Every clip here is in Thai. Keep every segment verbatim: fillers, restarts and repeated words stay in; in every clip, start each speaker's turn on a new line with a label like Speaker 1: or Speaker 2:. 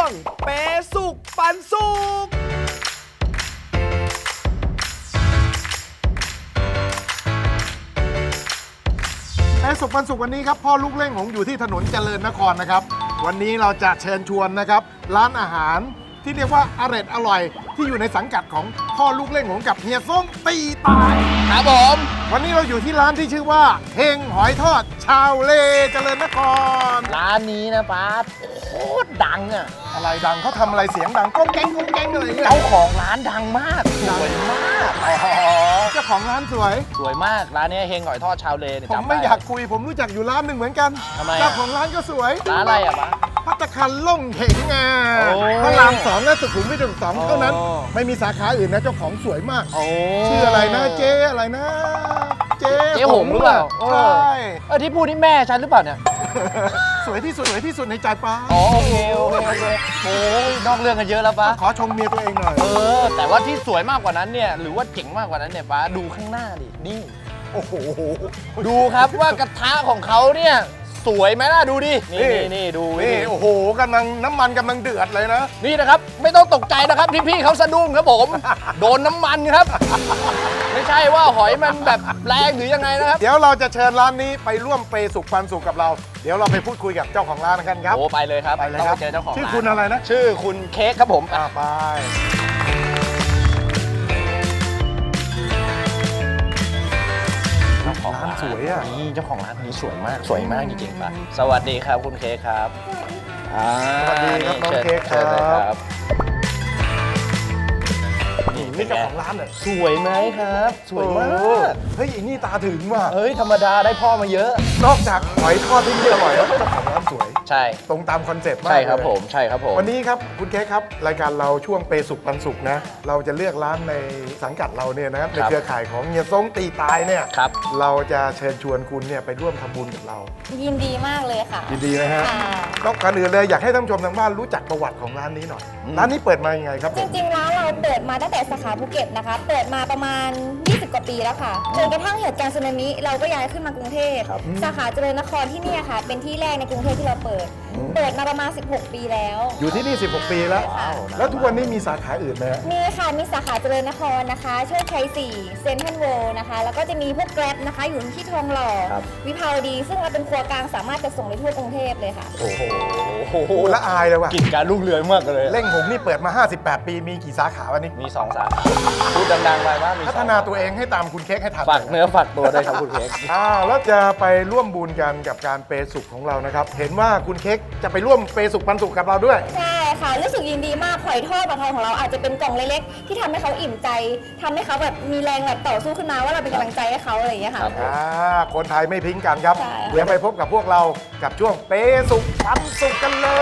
Speaker 1: งเปสุกปันสุก
Speaker 2: เปสุกปันสุกวันนี้ครับพ่อลูกเล่งหงอยู่ที่ถนนเจริญนครนะครับวันนี้เราจะเชิญชวนนะครับร้านอาหารที่เรียกว่าอร่อยอร่อยที่อยู่ในสังกัดของพ่อลูกเล่งหงกับเฮียส้มตีตาย
Speaker 1: ครับผม
Speaker 2: วันนี้เราอยู่ที่ร้านที่ชื่อว่าเฮงหอยทอดชาวเลเจริญนคร
Speaker 3: ร้านนี้นะป้าโคตรดังอ่ะ
Speaker 2: อะไรดังเขาทำอะไรเสียงดังก้องแก๊งก้องแก๊งอะไรเนี่ย
Speaker 3: เจ้าของร้านดังมากสวยมาก
Speaker 2: เจ้าของร้านสวย
Speaker 3: สวยมากร้านนี้เฮงหอยทอดชาวเลเนี่ย
Speaker 2: ผม
Speaker 3: จำ
Speaker 2: ไม่
Speaker 3: ด้
Speaker 2: อยากคุยผมรู้จักอยู่ร้านหนึ่งเหมือนกัน
Speaker 3: ทำไมอะ
Speaker 2: เจ้าของร้านก็สวย
Speaker 3: ร้านอะไรอ่ะป้า
Speaker 2: ภัตตาคารล่งเหงอ่ะ
Speaker 3: โอ้
Speaker 2: พระรามสองและสุขุมวิทสอง
Speaker 3: โอ้
Speaker 2: เท่านั้นไม่มีสาขาอื่นนะเจ้าของสวยมาก
Speaker 3: โอ้
Speaker 2: ชื่ออะไรนะเจ๊อะไรนะ เจ๊
Speaker 3: เจ๊หงหรือเปล่า
Speaker 2: ใช่
Speaker 3: เออที่พูดนี่แม่ฉันหรือเปล่าเนี่ย
Speaker 2: สวยที่สุดสวยที่สุดในใจป้า
Speaker 3: อ๋อโอเคโอเคโอเคโอ้ยนอกเรื่องกันเยอะแล้วป้า
Speaker 2: ขอชมเมียตัวเองหน่อย
Speaker 3: เออแต่ว่าที่สวยมากกว่านั้นเนี่ยหรือว่าเจ๋งมากกว่านั้นเนี่ยป้าดูข้างหน้าดินี่
Speaker 2: โอ้โห
Speaker 3: ดูครับว่ากระทะของเขาเนี่ยสวยไหมล่ะดูดินี่นี่นี่ดู
Speaker 2: นี่โอ้โหกำลังน้ำมันกำลังเดือดเลยนะ
Speaker 3: นี่นะครับไม่ต้องตกใจนะครับที่พี่เขาสะดุ้งครับผม โดนน้ำมันครับ ไม่ใช่ว่าหอยมันแบบแรงหรือยังไงนะครับ
Speaker 2: เดี๋ยวเราจะเชิญร้านนี้ไปร่วมเปย์สุขปันสุขกับเรา เดี๋ยวเราไปพูดคุยกับเจ้าของร้านกันครับ
Speaker 3: โอ้ไปเลยครับ
Speaker 2: ไปเลยครับ
Speaker 3: ต้องเจอเจ้าของ
Speaker 2: ชื่อ
Speaker 3: ร้าน
Speaker 2: คุณอะไรนะ
Speaker 3: ชื่อคุณเค้กครับผม
Speaker 2: อ่าไป
Speaker 3: เจ้าของร้าน
Speaker 2: สวยอ่ะ
Speaker 3: นี่เจ้าของร้านนี้สวยมากสวยมากจริงๆป่ะสวัสดีครับคุณเค้กครับอ่า
Speaker 2: สวัสดีครับน้อง
Speaker 3: ชิญ
Speaker 2: เค้ก
Speaker 3: ชิญเลย
Speaker 2: ครับ
Speaker 3: นี่
Speaker 2: นี่เจ้าของร้านเหรอ
Speaker 3: สวยไหมครับ สวยมาก
Speaker 2: เฮ้ยอันนี่ตาถึงว่ะ
Speaker 3: เฮ้ยธรรมดาได้พ่อมาเยอะ
Speaker 2: นอกจากหอยทอดที่นี่อร่อยแล้วเจ้าของร้านสวย
Speaker 3: ใช่
Speaker 2: ตรงตามคอนเซ็ปต์มาก
Speaker 3: ใช่ครับ
Speaker 2: เลย
Speaker 3: ผมใช่ครับผม
Speaker 2: วันนี้ครับคุณเค้กครับรายการเราช่วงเปย์สุขปันสุขนะเราจะเลือกร้านในสังกัดเราเนี่ยนะครับในเครือข่ายของเฮียซ้งตีตายเนี่ย
Speaker 3: ครับ
Speaker 2: เราจะเชิญชวนคุณเนี่ยไปร่วมทำบุญกับเรา
Speaker 4: ยินดีมากเลยค่ะ
Speaker 2: ยินดีไหมฮะ
Speaker 4: ค่ะ
Speaker 2: นอกจากอื่นเลยอยากให้ท่านผู้ชมทางบ้านรู้จักประวัติของร้านนี้หน่อย
Speaker 3: อืม
Speaker 2: ร้านนี้เปิดมายังไงครับผ
Speaker 4: จ
Speaker 2: ม
Speaker 4: ริงๆแล้วเราเปิดมาตั้งแต่สาขาภูเก็ตนะคะ เปิดมาประมาณ ยี่สิบ กว่าปีแล้วค่ะจนกระทั่งเหตุการณ์สึนามิเราก็ย้ายขึ้นมากรุงเทพ
Speaker 3: ครับ
Speaker 4: สาขาเจริญนครที่เนี่ยค่ะ เป็นที่แรกในกรุงเทพที่เราเปิด เปิดมาประมาณ สิบหก ปีแล้ว
Speaker 2: อยู่ที่นี่สิบหกปีแล้ว
Speaker 4: ค่ะ
Speaker 2: แล้วทุกวันนี้มีสาขาอื่นไหมฮะ
Speaker 4: มีค่ะ มีสาขาเจริญนครนะคะโชคชัยสี่เซ็นทรัลเวิลด์นะคะ แล้วก็จะมีพวกแกร็บนะคะ อยู่ที่ทองหล่อ
Speaker 3: ครับ
Speaker 4: วิภาวดี ซึ่งเราเป็นครัวกลางสามารถจะส่งได้ทั่วกรุงเทพเลยค่ะ
Speaker 3: โอ้โห
Speaker 2: โอ้ละอายเลยว่ะ
Speaker 3: กิจการรุ่งเรืองมากเลย
Speaker 2: เล่งหงนี่เปิดมา ห้าสิบแปด ปีมีกี่สาขาวันนี้
Speaker 3: มีสองสาขาพูดดังๆไปว่ามีสอง
Speaker 2: พัฒนาตัวเองให้ตามคุณเค้กให้ทัน
Speaker 3: ฝากเนื้อฝากตัวด้วยครับคุณเค้ก
Speaker 2: อ้าวแล้วจะไปร่วมบุญกันกับการเปย์สุขของเรานะครับเห็นว่าคุณเค้กจะไปร่วมเปย์สุขปันสุขกับเราด้วย
Speaker 4: ใช่ค่ะรู้สึกยินดีมากหอยทอดปลาทองของเราอาจจะเป็นกล่องเล็กๆที่ทำให้เขาอิ่มใจทำให้เขาแบบมีแรงแบบต่อสู้ขึ้นมาว่าเราเป็นกำลังใจให้เขาอะไรอย่างเงี้ยค่ะ
Speaker 3: ครับ
Speaker 2: อ่าคนไทยไม่พิงกันครับ
Speaker 4: ใช่ค่ะ
Speaker 2: เดี๋ยวไปพบกับพวกเรากับช่วงเปย์สุขปันสุขกันเลย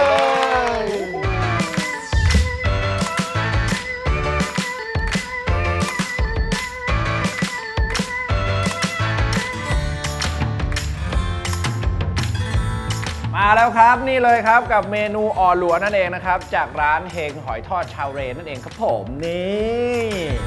Speaker 1: มาแล้วครับนี่เลยครับกับเมนูอ่อหลัวนั่นเองนะครับจากร้านเฮงหอยทอดชาวเรนั่นเองครับผมนี่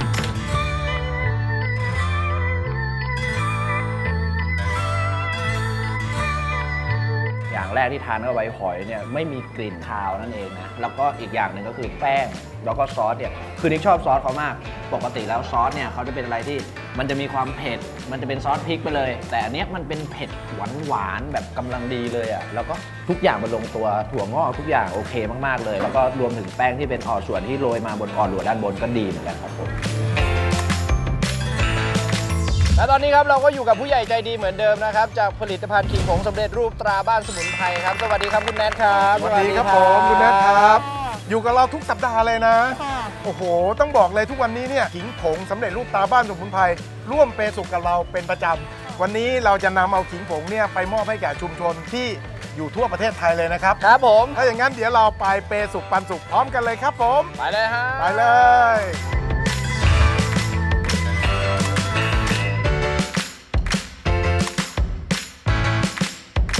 Speaker 1: อย่างแรกที่ทานเข้าไปหอยเนี่ยไม่มีกลิ่นคาวนั่นเองนะแล้วก็อีกอย่างหนึ่งก็คือแป้งแล้วก็ซอสเนี่ยคือนิกชอบซอสเขามากปกติแล้วซอสเนี่ยเขาจะเป็นอะไรที่มันจะมีความเผ็ดมันจะเป็นซอสพริกไปเลย แต่อันเนี้ยมันเป็นเผ็ดหวานหวานๆแบบกำลังดีเลยอ่ะแล้วก็ทุกอย่างมันลงตัวถั่วงอกทุกอย่างโอเคมากๆเลยแล้วก็รวมถึงแป้งที่เป็นอ่อส่วนที่โรยมาบนอ่อหลัวด้านบนก็ดีเหมือนกันครับผมและตอนนี้ครับเราก็อยู่กับผู้ใหญ่ใจดีเหมือนเดิมนะครับจากผลิตภัณฑ์ขิงผงสำเร็จรูปตราบ้านสมุนไพรครับสวัสดีครับคุณแนทครับ
Speaker 2: สวัสดีครับผมคุณแนทครับ อยู่กับเราทุกสัปดาห์เลยนะ
Speaker 4: ค่ะ
Speaker 2: โอ้โห ต้องบอกเลยทุกวันนี้เนี่ยขิงผงสำเร็จรูปตาบ้านสมุนไพรร่วมเปย์สุขกับเราเป็นประจำวันนี้เราจะนำเอาขิงผงเนี่ยไปมอบให้แก่ชุมชนที่อยู่ทั่วประเทศไทยเลยนะครับ
Speaker 3: ครับผม
Speaker 2: ถ้าอย่างนั้นเดี๋ยวเราไปเปย์สุขปันสุขพร้อมกันเลยครับผม
Speaker 3: ไปเลยฮะ
Speaker 2: ไปเลย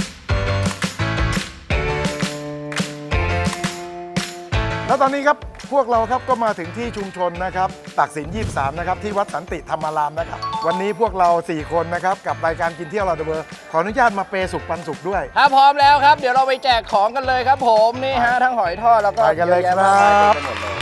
Speaker 2: แล้วตอนนี้ครับพวกเราครับก็มาถึงที่ชุมชนนะครับตักสินยี่สิบสามนะครับที่วัดสันติธรรมารามนะครับวันนี้พวกเราสี่คนนะครับกับรายการกินเที่ยวเราเดอะเบอร์ขออนุญาตมาเปย์สุขปันสุขด้วย
Speaker 3: ถ้าพร้อมแล้วครับ เดี๋ยวเราไปแจกของกันเลยครับผมนี่ฮะทั้งหอยทอดแล้วก็
Speaker 2: ไปกันเลย
Speaker 3: อะแะ
Speaker 2: ครับ
Speaker 3: มากมายเต็มไปหมดเลย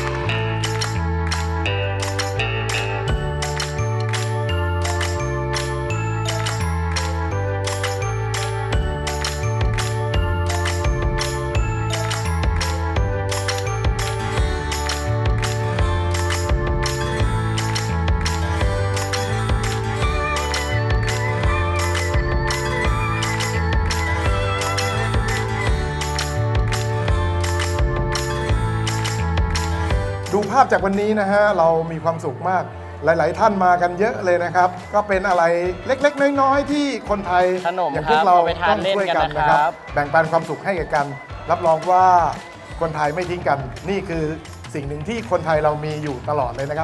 Speaker 2: ดูภาพจากวันนี้นะฮะเรามีความสุขมากหลาย ๆ ท่านมากันเยอะเลยนะครับ ก็เป็นอะไรเล็ก ๆ น้อย ๆ ที่คนไทย
Speaker 3: ขนม
Speaker 2: อย่าง
Speaker 3: ค
Speaker 2: พว
Speaker 3: รั
Speaker 2: ก
Speaker 3: บ
Speaker 2: เรา
Speaker 3: เอาไปทา
Speaker 2: ต้
Speaker 3: น
Speaker 2: อง
Speaker 3: เล่น
Speaker 2: ช่วย
Speaker 3: กัน
Speaker 2: กัน
Speaker 3: นะ
Speaker 2: นะ
Speaker 3: ค
Speaker 2: ค
Speaker 3: รั
Speaker 2: รับ บแบ่งปันความสุขให้แก่กัน รับรองว่าคนไทยไม่ทิ้งกัน นี่คือสิ่งหนึ่งที่คนไทยเรามีอยู่ตลอดเลยนะครับ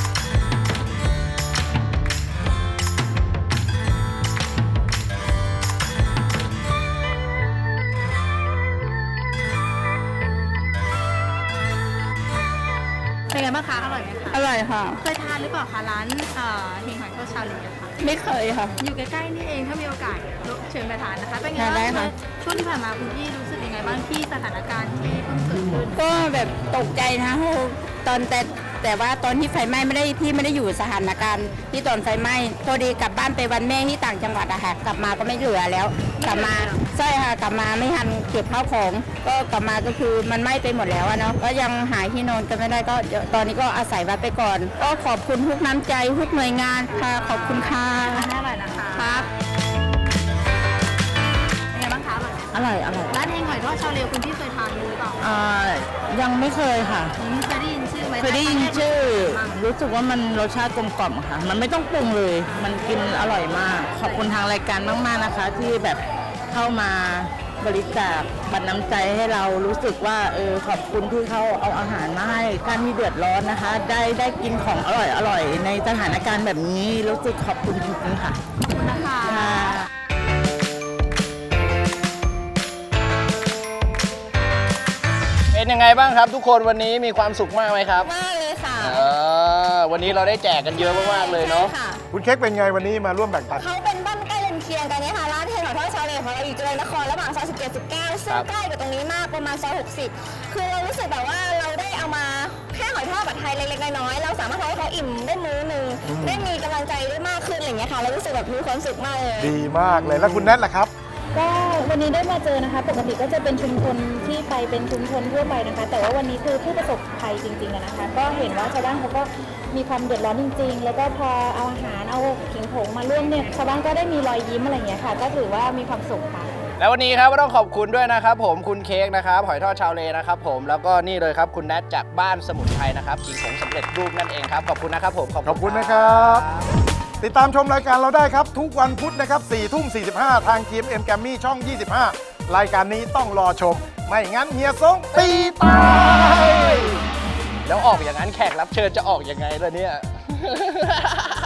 Speaker 5: เป็นไงบ้างคะ อร่อยไหมคะ
Speaker 6: อร่อยค่ะ
Speaker 5: เคยทานหรือเปล่าคะร้านเอ่อเฮงหอยทอดชาลีอะค่ะ
Speaker 6: ไม่เคยค่ะ
Speaker 5: อยู่ใกล้ๆนี่เองถ้ามีโอกาสเชิญไปทานนะคะ เป็นไง
Speaker 6: ทานได้
Speaker 5: บ้าง
Speaker 6: ค่ะ
Speaker 5: ช่วงที่ผ่านมาคุณพี่รู้สึกยังไงบ้างที่สถานการณ์ที่เพิ่งเกิดขึ้น
Speaker 6: ก็แบบตกใจนะตอนแต่แต่ว่าตอนที่ไฟไหม้ไม่ได้ที่ไม่ได้อยู่สถานการณ์ที่ตอนไฟไหม้พอดีกลับบ้านไปวันแม่ที่ต่างจังหวัดอะค่ะกลับมาก็ไม่เหลือแล้ว กลับมาใช่ค่ะกลับมาไม่ทันเก็บข้าวของ ก็กลับมาก็คือมันไหม้ไปหมดแล้วอะเนาะก็ยังหาที่นอนกันไม่ได้ก็เดี๋ยวตอนนี้ก็อาศัยวัดไปก่อน ก็ขอบคุณทุกน้ำใจทุกหน่วยงานค่ะขอบคุณค่ะ
Speaker 5: ร้านอร่อยนะคะ
Speaker 6: ครับ
Speaker 5: เป็นไงบ้างคะอร่อยไหม
Speaker 6: อร่อยอร่อย
Speaker 5: ร้านเฮงหอยทอดชาลีคุณพี่เคยทานหรือเปล่า
Speaker 6: อ่ายังไม่เคยค่ะ
Speaker 5: อืมเคยได้ยินชื่อไหม
Speaker 6: เคยได้ยินชื่อ
Speaker 5: บ้าง
Speaker 6: รู้สึกว่ามันรสชาติกลมกล่อมค่ะ มันไม่ต้องปรุงเลย มันกินอร่อยมาก ขอบคุณทางรายการมากๆนะคะ ที่แบบเข้ามาบริจาคบัตรน้ำใจให้เรารู้สึกว่าเออขอบคุณที่เขาเอาอาหารมาให้ท่านที่เดือดร้อนนะคะ ได้ได้กินของอร่อยอร่อยในสถานการณ์แบบนี้รู้สึกขอบคุณจริงๆค่ะ
Speaker 5: ขอบคุณนะคะ
Speaker 6: ค่ะ
Speaker 3: เป็นยังไงบ้างครับทุกคนวันนี้มีความสุขมากไหมครับ
Speaker 4: มากเลยค่ะ
Speaker 3: เออวันนี้เราได้แจกกันเยอะมากๆเลยเนาะ
Speaker 4: ใช่ค่ะ
Speaker 2: คุณเค้กเป็นไงวันนี้มาร่วมแบ่งปัน
Speaker 4: เขาเป็นบ้านใกล้เรือนเคียงกันเนี่ยค่ะร้านเฮงหอยทอดชาเลของเราอยู่เจริญนครระหว่างซอยสิบเจ็ด สิบเก้าซึ่งใกล้กับตรงนี้มากประมาณซอยหกสิบคือเรารู้สึกแบบว่าเราได้เอามาแค่หอยทอดแบบไทยเล็กๆน้อยๆเราสามารถทำให้เขาอิ่มได้มื้อหนึงได้มีกำลังใจได้มากขึ้นอะไรอย่างเงี้ยค่ะเรารู้สึกแบบมีความสุขมากเลย
Speaker 2: ดีมากเลยแล้วคุณแนทล่ะครับ
Speaker 7: ก็วันนี้ได้มาเจอนะคะ ปกติก็จะเป็นชุมชนที่ไปเป็นชุมชนทั่วไปนะคะ แต่ว่าวันนี้คือผู้ประสบภัยจริงๆอะนะคะ ก็เห็นว่าชาวบ้านเขาก็มีความเดือดร้อนจริง ๆ แล้วก็พอเอาอาหารเอาขิงผงมาร่วมเนี่ยชาวบ้านก็ได้มีรอยยิ้มอะไรอย่างเงี้ยค่ะ ก็ถือว่ามีความสุขค่ะ
Speaker 3: แล้ววันนี้ครับก็ต้องขอบคุณด้วยนะครับผมคุณเค้กนะครับหอยทอดชาวเลนะครับผมแล้วก็นี่เลยครับคุณแนทจากบ้านสมุนไพรนะครับขิงผงสำเร็จรูปนั่นเองครับขอบคุณนะครับผม
Speaker 2: ขอบคุณนะครับ ติดตามชมรายการเราได้ครับ ทุกวันพุธนะครับสี่ทุ่มสี่สิบห้าทาง จี เอ็ม เอ็ม Grammy ช่อง ยี่สิบห้า รายการนี้ต้องรอชม ไม่งั้นเฮียสงตีตาย
Speaker 3: แล้วออกอย่างนั้นแขกรับเชิญจะออกยังไงล่ะเนี่ย